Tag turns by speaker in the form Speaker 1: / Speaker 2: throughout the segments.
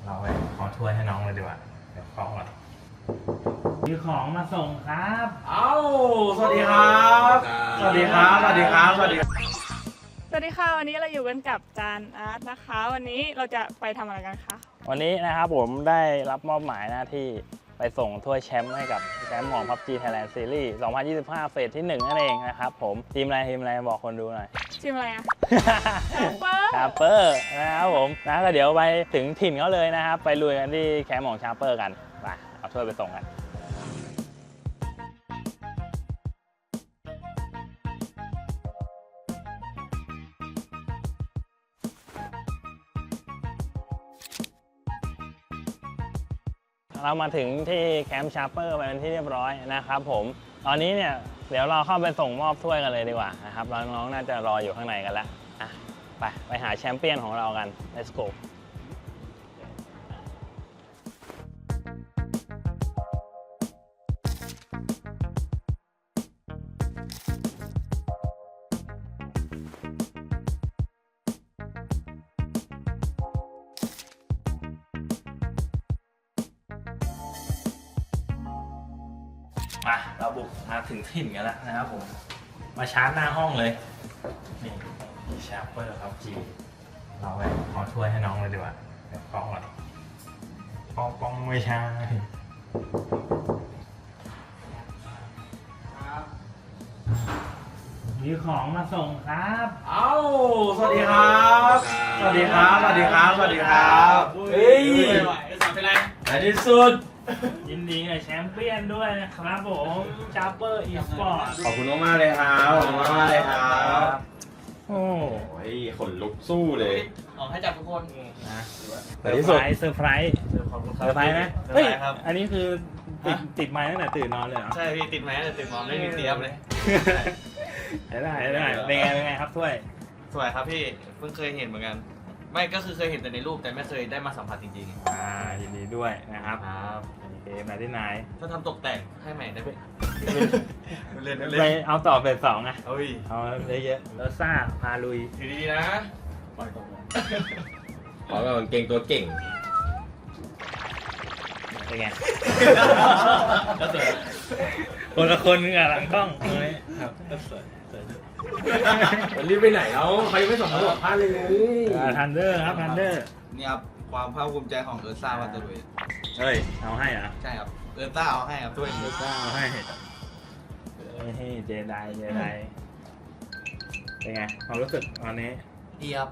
Speaker 1: เราไปขอถ้วยให้น้องเลยดีกว่าเดี๋ยวของก่อนมีของมาส่งครับเอ้าสวัสดีครับสวัสดีครับสวัสดีครับสวัสดีครับ
Speaker 2: สวัสดีค่ะวันนี้เราอยู่กันกับจานอาร์ตนะคะ วันนี้เราจะไปทำอะไรกันคะ
Speaker 3: วันนี้นะครับผมได้รับมอบหมายหน้าที่ไปส่งถ้วยแชมป์ให้กับแชมป์ของ PUBG Thailand Series 2025 เฟสที่ 1 นั่นเองนะครับผมทีมอะไรบอกคนดูหน่อย
Speaker 2: ชิมอะไรอ่ะ
Speaker 3: ชาร์เปอร์นะครับผมนะก็เดี๋ยวไปถึงถิ่นเขาเลยนะครับไปลุยกันที่แคมป์ของชาร์เปอร์กันไปเอาถ้วยไปส่งกันเรามาถึงที่แคมป์ชาร์เปอร์ไปเป็นที่เรียบร้อยนะครับผมตอนนี้เนี่ยเดี๋ยวเราเข้าไปส่งมอบถ้วยกันเลยดีกว่านะครับน้องๆน่าจะรออยู่ข้างในกันแล้วไปหาแชมเปี้ยนของเรากัน let's go
Speaker 1: มาเราบุกมาถึงถิ่นกันแล้วนะครับผมมาชาร์จหน้าห้องเลยนี่ชาร์เปอร์ครับจีเราไปขอถ้วยให้น้องเลยดีกว่าเดี๋ยวของก่อนกล้องไม่ใช่มีของมาส่งครับเอ้าสวัสดีครับสวัสดีครับสวัสดีครับสวัสดีครับเฮ้ยเป็นไรในที่สุดยินดีกับแชมเปี้ยนด้วยนะครับผมชาร์เปอร์อีสปอร์ต
Speaker 4: ขอบคุณมากๆเลยครับขอบคุณมากๆเลยครับ
Speaker 1: โอ้
Speaker 4: ยขนลุกสู้เลย
Speaker 5: ออกให้จับทุกคน
Speaker 1: นะ
Speaker 4: ในที่สุด
Speaker 1: เซอร์ไพรส์นะเฮ้ยอันนี้คือติดไม้ตั้งแต่ตื่นนอนเลยเหรอ
Speaker 5: ใช่พี่ติดไหมติดมองไม่มีเตรียมเลย
Speaker 1: ได้เป็นไงครับถ้วย
Speaker 5: สวยครับพี่เพิ่งเคยเห็นเหมือนกันไม่ก็คือเคยเห็นแต่ในรูปแต่ไม่เคยได้มาสัมผัสจริง
Speaker 1: ยินดีด้วยนะครับ
Speaker 5: ๆครับ
Speaker 1: เกมไหนที่ไหน
Speaker 5: ถ้าทำตกแต่งให้ใหม่ได้ไหมเล่น
Speaker 1: ไปเอาต่อเฟสสองไง
Speaker 5: เฮ้ย
Speaker 1: เอาเยอะๆแล้วซ่าพาลุย
Speaker 5: ดีๆนะปล่อยตกเลย
Speaker 4: ขอแบบเก่งตัวเก่ง
Speaker 1: เป็นไง
Speaker 5: ก็สวย
Speaker 1: คนละคนกับหลังกล้องเลยครับ
Speaker 5: ก็สวย
Speaker 4: มันรีบไปไหนแล้วใครไม่ส่งมาบอกพลาดเลย
Speaker 1: ทันเดอร์ครับทันเดอร์
Speaker 5: นี่ครับความภาคภูมิใจของเอิร์ธซ่าวันตะลุย
Speaker 1: เฮ้ยเอาให้เหรอ
Speaker 5: ใช่ครับเอิร์ธซ่าเอาให้ครับด้วย
Speaker 1: เอาให้เจไดเป็นไงความรู้สึกตอนนี้
Speaker 5: ดีครับ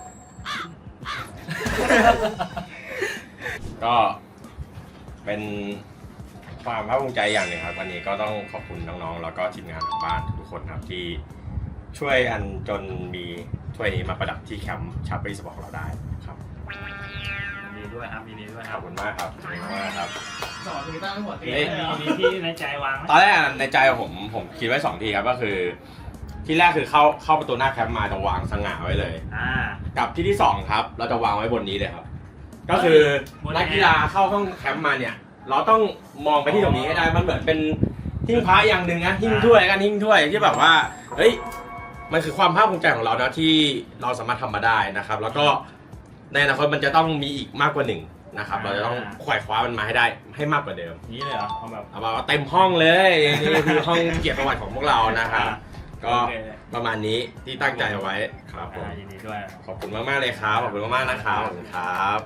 Speaker 4: ก็เป็นความภาคภูมิใจอย่างหนึ่งครับวันนี้ก็ต้องขอบคุณน้องๆแล้วก็ทีมงานของบ้านทุกคนครับที่ช่วยอันจนมีถ้วยนี้มาประดับที่แคมป์ชาร์ปรีสปอร์ตของเราได้ครับ
Speaker 1: ยินดีด้วยครับยินดีด้วยค
Speaker 4: ข
Speaker 1: รั
Speaker 4: อ
Speaker 1: บบ
Speaker 4: คุณมากครับขอบคุณมากครับ
Speaker 5: สอนคือตั้งหัวเตีย
Speaker 1: มีที่ในใจวางไหม
Speaker 4: ตอนแรกในใจผมคิดไว้2 ทีครับก็คือที่แรกคือเข้าประตูหน้าแคมป์มาจะวางสง่าไว้เลย กับที่2ครับเราจะวางไว้บนนี้เลยครับก็คือนักกีฬาเข้าห้องแคมป์มาเนี่ยเราต้องมองไปที่ตรงนี้ให้ได้มันเหมือนเป็นหิ้งพระอย่างหนึ่งนะหิ้งถ้วยกันหิ้งถ้วยที่แบบว่าเฮ้ยมันคือความภาคภูมิใจของเรานะที่เราสามารถทำมาได้นะครับแล้วก็ในอนาคตมันจะต้องมีอีกมากกว่า1นะครับเราจะต้องขวายคว้ามันมาให้ได้ให้มากกว่าเดิม
Speaker 1: นี่เลยเหรอเอาแบบ
Speaker 4: เอามาเต็มห้องเลยนี่คือห้องเกียรติประวัติของพวกเรานะครับก็ประมาณนี้ที่ตั้งใจเอาไว้ครับผม
Speaker 1: ยินดีด้วย
Speaker 4: ขอบคุณมากๆเลยครับขอบคุณมากๆนะครับขอบคุณครับ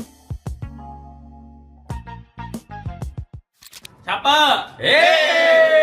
Speaker 1: ชาร์เปอร์
Speaker 4: เฮ้